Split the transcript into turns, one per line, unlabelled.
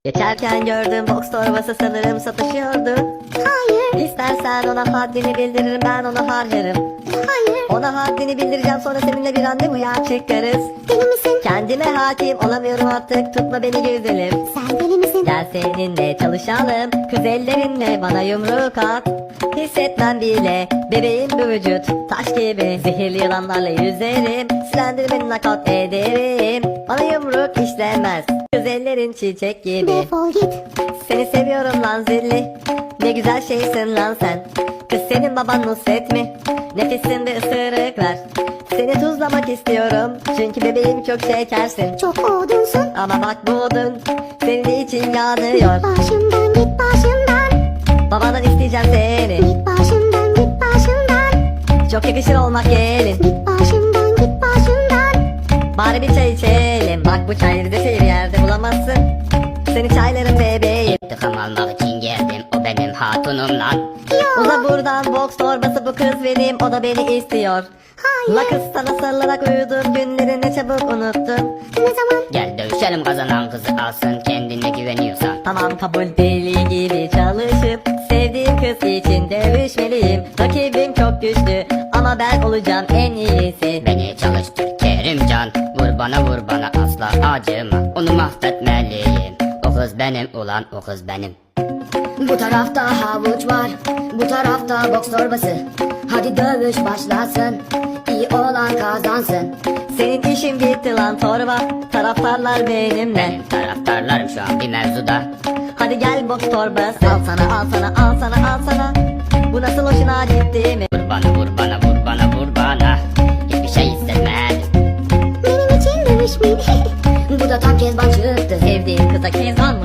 Geçerken gördüm box torbası, sanırım satışıyordu.
Hayır,
İstersen ona haddini bildiririm, ben ona harcarım.
hayır.
Ona haddini bildireceğim, sonra seninle bir randevuya çıkarız.
Deli misin?
Kendime hakim olamıyorum artık, tutma beni güzelim.
Sen deli misin?
Gel seninle çalışalım, kız ellerinle bana yumruk at. Hissetmem bile bebeğim bu vücut, taş gibi. Zehirli yılanlarla yüzerim, silendirmeni nakat ederim. Bana yumruk işlemez, kız ellerin çiçek gibi.
Defol git.
Seni seviyorum lan zilli, ne güzel şeysin lan sen. Kız senin baban Nusret mi? Nefissin bir ısırık ver. Seni tuzlamak istiyorum, çünkü bebeğim çok şekersin.
Çok odunsun.
Ama bak bu odun senin için yanıyor.
Başımdan git başımdan.
Babadan isteyeceğim seni,
Git başımdan git başımdan.
çok yakışır olmak gelin.
Git başımdan git başımdan.
Bari bir çay içelim, bak bu çayları da bir yerde bulamazsın. Seni çaylarım bebeğim.
İntikam almak için geldim, o benim hatunum lan.
Uza buradan, box torbası bu kız benim, o da beni istiyor.
Hayır.
La kız sana sarılarak uyudum, günleri ne çabuk unuttum.
Ne zaman?
Gel dövüşelim, kazanan kızı alsın, kendine güveniyorsan.
Tamam kabul, deli gibi çalışıp sevdiğim kız için dövüşmeliyim. Rakibim çok güçlü ama ben olacağım en iyisi.
Beni çalıştır Kerimcan, vur bana asla acıma, onu mahvetmeliyim. O kız benim ulan, o kız benim.
Bu tarafta havuç var, bu tarafta boks torbası. Hadi dövüş başlasın, iyi olan kazansın.
Senin işin bitti lan torba, taraftarlar benimle.
Benim taraftarlarım şu an bir mevzuda.
Hadi gel box torbası, al sana al sana al sana al sana. Bu nasıl hoşuna gitti mi?
Vur bana, hiçbir şey hissetmedim.
Benim için dövüşmeyin.
Bu da tam Kezban çıktı.
Sevdiğim kıza kezban